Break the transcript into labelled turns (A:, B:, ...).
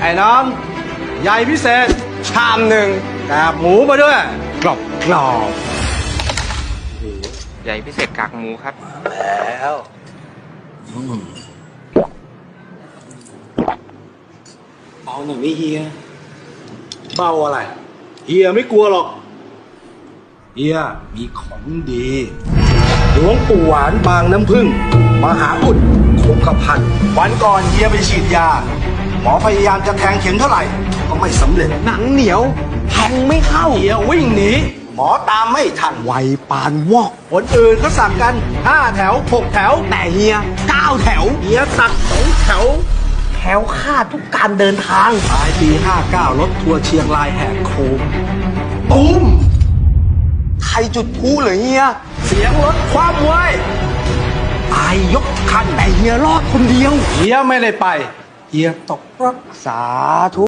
A: อ้น้องใหญ่พิเศษชามหนึ่งกากหมูมาด้วยกรอบกรอบ
B: ใหญ่พิเศษกากหมูครับ
A: แล้วเอาหน่อยไม่เฮียเบาอะไรเฮียไม่กลัวหรอกเฮียมีของดีหลวงปู่หวานบางน้ำพึ่งมหาอุดคงกระพันวันก่อนเฮียไปฉีดยาหมอพยายามจะแทงเข็มเท่าไหร่ก็ไม่สำเร็จหนังเหนียวแทงไม่เข้าเฮียวิ่งหนีหมอตามไม่ทันไวปานวอกคนอื่นก็สั่งกัน5 แถว 6 แถวแต่เฮีย9 แถวเฮียสัก2 แถวแถวค่าดทุกการเดินทางปลายปี59รถทัวร์เชียงรายแหกโค้งตูมใครจุดพลุเหรอเฮียเสียงรถคว่ำเว้ยตายยกคันแต่เฮียรอดคนเดียวเฮียไม่ได้ไปเฮียตกรถสาธุ